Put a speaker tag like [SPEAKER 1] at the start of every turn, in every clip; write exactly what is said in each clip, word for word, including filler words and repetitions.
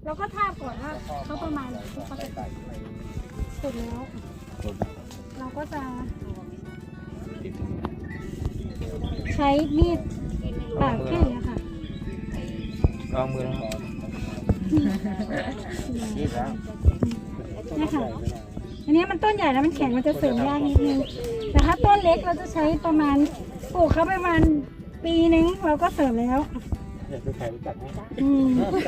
[SPEAKER 1] เราก็ทาบก่อนว่าเขาประมาณไหนที่เขาจะติดเสร็จแล้วเราก็จะใช้มีดปาดแค่นี้ค่ะ
[SPEAKER 2] ลองมือนี่แล้ว
[SPEAKER 1] นี่ค่ะอันนี้มันต้นใหญ่แล้วมันแข็งมันจะเสริมยากนิดนึงแต่ถ้าต้นเล็กเราจะใช้ประมาณปลูกเขาประมาณปีนึงเราก็เสริมแล้ว
[SPEAKER 2] อยากจะใครรู้จักไหม
[SPEAKER 1] อืม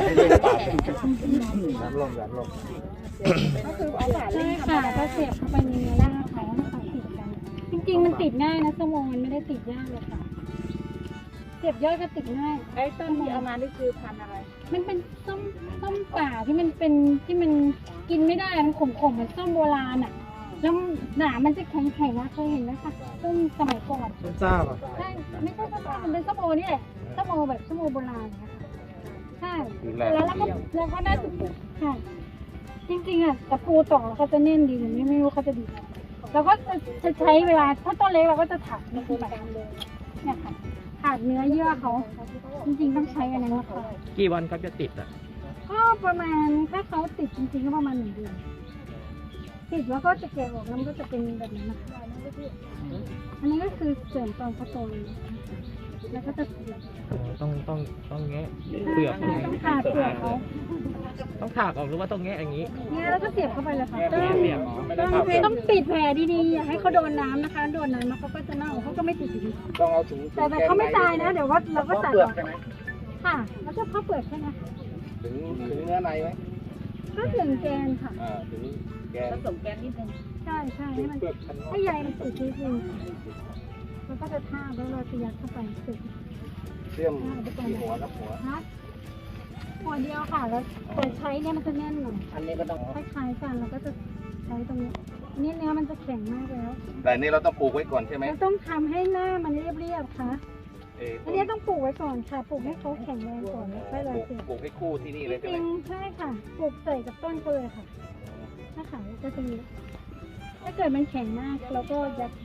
[SPEAKER 2] น้ำลมน้ำลม
[SPEAKER 1] ก็คือเอาขาเลยค่ะก็เสียบเข้าไปในรากเขาให้เขาติดกันจริงๆมันติดง่ายนะสมองมันไม่ได้ติดยากเลยค่ะเสียบยอดก็ติดง่าย
[SPEAKER 3] ไอ้ต้นที่เอามานี่คือพันธุ์อะไร
[SPEAKER 1] มันเป็นส้มส้มป่าที่มันเป็นที่มันกินไม่ได้มันขมๆเหมือนส้มโบราณอ่ะแล้วหนามันจะแข็งๆนะเคยเห็นไหมคะส้มสมัยก่อน
[SPEAKER 2] ส้มซ่าป่ะ
[SPEAKER 1] ใช่ไม่ใช่ส้มซ่ามันเป็นส้มโอนี่แหละส้มโอแบบส้มโอโบราณนะคะใช่แล้วเราก็เราก็ได้ค่ะจริงๆอ่ะตะปูต่อเขาจะแน่นดีหรือไม่ไม่รู้เขาจะดีเราก็จะใช้เวลาถ้าต้นเล็กเราก็จะถักนี่คือแบบเนี่ยค่ะขาดเนื้อเยื่อเขาจริงๆต้องใช้อันนั้นนะคะ
[SPEAKER 2] กี่วันครับจะติดอ่ะ
[SPEAKER 1] ก็ประมาณถ้าเขาติดจริงๆก็ประมาณหนึ่งเดือนติดแล้วก็จะแกะออกแล้วมันก็จะเป็นแบบนี้นะคะอันนี้ก็คือเสริมตอนเขาโตแล้วก็จะ
[SPEAKER 2] ต้องต้องต้องแงะเปลือก
[SPEAKER 1] ต้องขาดเปลือกเขา
[SPEAKER 2] ต้องถากออกหรือว่าต้องแงะอย่างนี้
[SPEAKER 1] แงะแล้วก็เสียบเข้าไปเลยค่ะต้องต้องปิดแผลดีๆอย่าให้เขาโดนน้ำนะคะโดนน้ำแล้วเขาก็จะเน่าเขาก็ไม่ติดอยู่ดี
[SPEAKER 2] ต้องเอาถุง
[SPEAKER 1] แต่แต่เขาไม่ตายนะเดี๋ยวว่าเราก็ตัดออกค่ะแล้วก็เข้าเปลือกใช่ไหม
[SPEAKER 2] ถึงถึงเนื้อในไหม
[SPEAKER 1] ก็ถึงแกนค่ะ
[SPEAKER 2] อ่าถึงแกน
[SPEAKER 3] ผสมแกนนิดนึง
[SPEAKER 1] ใช่ใช่ให้มันให้ใยมันติดนิดนึงมันก็จะท่าแล้วเราจะยัดเข้าไปติด
[SPEAKER 2] เชื่อมหัวกับหัว
[SPEAKER 1] หัวเดียวค่ะแล้วแต่ใช้เนี่ยมันจะแน่นหน่อย
[SPEAKER 2] อันนี้ก็ต้อง
[SPEAKER 1] คล้ายๆกันเราก็จะใช้ตรงนี้นี่เนื้อมันจะแข็งมากแล้ว
[SPEAKER 2] แต่นี่เราต้องปลูกไว้ก่อนใช่ไหม
[SPEAKER 1] เราต้องทำให้หน้ามันเรียบๆค่ะอันนี้ต้องปลูกไว้ก่อนค่ะปลูกให้เขาแข็งแรงก่อนแล้วค่อยเราป
[SPEAKER 2] ลูกให้คู่ที่นี่เลย
[SPEAKER 1] จริงใช่ค่ะปลูกใส่กับต้นก็เลยค่ะถ้าขายก็จะมีถ้าเกิดมันแข็งมากเราก็ยัดไป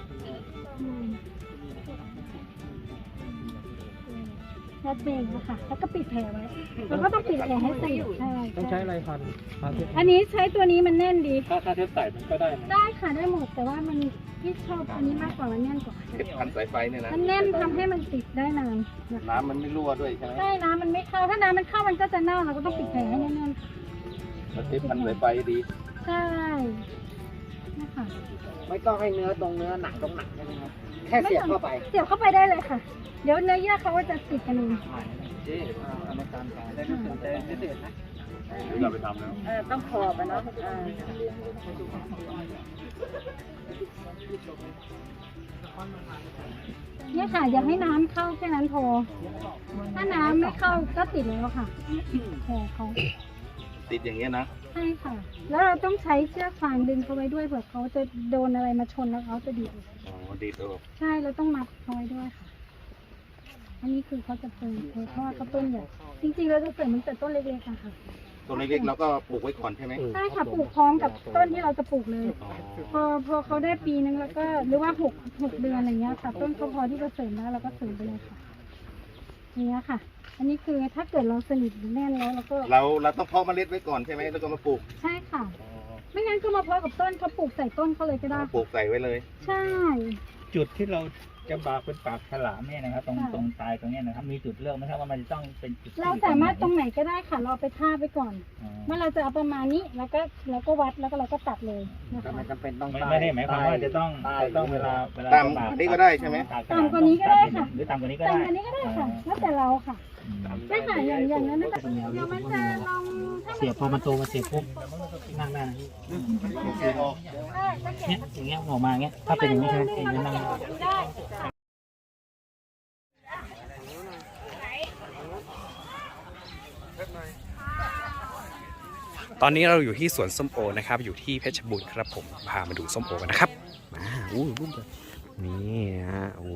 [SPEAKER 1] ยัดเบงนะคะแล้วก็ปิดแผลไว้แล้วก็ต้องปิดแผลให้สนิทใช่
[SPEAKER 2] ต้องใช้อะไรพัน
[SPEAKER 1] อันนี้ใช้ตัวนี้มันแน่นดี
[SPEAKER 2] ถ้าถ้าเทปใส่มันก็ได้
[SPEAKER 1] ได้ค่ะได้หมดแต่ว่ามันที่ชอบอันนี้มากกว่ามันแน่นกว่า
[SPEAKER 2] เทปพันสายไฟเนี่ยนะ
[SPEAKER 1] มันแน่นทำให้มันติดได้นาน
[SPEAKER 2] น้ำมันไม่รั่วด้วยใช่ไหม
[SPEAKER 1] ใช่น้ำมันไม่เข้าถ้าน้ำมันเข้ามันก็จะเน่าเราก็ต้องปิดแผลให้แน่นๆ
[SPEAKER 2] แล้วเทปพันสายไฟดี
[SPEAKER 1] ใช่นะคะ
[SPEAKER 3] ไม่ต้องให้เนื้อตรงเนื้อหนังตรงหนังใช่ไหมครับแค่เสียบเข้าไป
[SPEAKER 1] เสียบเข้าไปได้เลยค่ะเดี๋ยวเนื้อเยื่อเขาก็จะติดกันเอง
[SPEAKER 2] เจ๊ทำในการขายได้ไม่ตื่นเต้นไม่ตื่นนะเราไปทำแล้ว
[SPEAKER 3] เออต้องขอบไปเนาะ
[SPEAKER 1] เนี่ยค่ะอยากให้น้ำเข้าแค่นั้นพอถ้าน้ำไม่เข้าก็ติดแล้วค่ะแผลเขา
[SPEAKER 2] ติดอย่างเงี้ยนะ
[SPEAKER 1] ใช่ค่ะแล้วเราต้องใช้เชือกฟางดึงเขาไว้ด้วยเผื่อเขาจะโดนอะไรมาชนแล้วเขาจะดีด
[SPEAKER 2] อ๋อดีดออก
[SPEAKER 1] ใช่เราต้องมัดเขาไว้ด้วยค่ะอันนี้คือเขาจะเป็นเพราะว่าเขาต้นใหญ่จริงๆเราจะเสริมมันแต่ต้นเล็กๆค่ะ
[SPEAKER 2] ต้นเล็กๆเราก็ปลูกไว้ก่อนใช่ไหม
[SPEAKER 1] ใช่ค่ะปลูกพร้อมกับต้นที่เราจะปลูกเลยพอพอเขาได้ปีนึงแล้วก็หรือว่าหกหกเดือนอะไรเงี้ยค่ะต้นเขาพอที่จะเสริมแล้วเราก็เสริมไปเลยค่ะเนี้ยค่ะอันนี้คือถ้าเกิดเราสนิทแน่นแล้วเราก็
[SPEAKER 2] เราเราต้องเพาะเมล็ดไว้ก่อนใช่ไหมแล้วก็มาปลูก
[SPEAKER 1] ใช่ค่ะไม่งั้นก็มาเพาะกับต้นเขาปลูกใส่ต้นเขาเลยก็ได้
[SPEAKER 2] ปลูกใส่ไว้เลย
[SPEAKER 1] ใช่
[SPEAKER 4] จุดที่เราจะบากเป็นปากฉลามเนี่ยนะครับตรงตรงตายตรงนี้นะครับมีจุดเลือกไหมครับว่ามันจะต้องเป็นจุด
[SPEAKER 1] เราสามารถตรงไหนก็ได้ค่ะเราไปท่าไปก่อนเมื่อเราจะเอาประมาณนี้แล้วก็เราก็วัดแล้วก็เราก็ตัดเลยนะคะ
[SPEAKER 3] ไม่จำเป็นต้อง
[SPEAKER 4] ไม่ได้หมายความว่าจะต้องจะต้องเวลาเวลา
[SPEAKER 2] ตามนี้ก็ได้ใช่ไหม
[SPEAKER 1] ตามกว่านี้ก็ได้ค่ะ
[SPEAKER 4] หรือตามกว่านี้ก็ได้
[SPEAKER 1] ตามกว่านี้ก็ได้ค่ะแล้วแต่เราค่ะได้ค่ะอย่างอย่างนั้นนะเดี๋ยวมันจะลอง
[SPEAKER 4] เสียบพอมันโตมาเสียบปุ๊บนั่งได้นะเนี่ยอย่างเงี้ยออกมาเงี้ยถ้าเป็นอย่างนี้ใช่ไหมเองจะนั่งได้
[SPEAKER 5] ตอนนี้เราอยู่ที่สวนส้มโอนะครับอยู่ที่เพชรบูรณ์ครับผมพามาดูส้มโอกันนะครับมาอู้ลูกนี่ฮะโอ้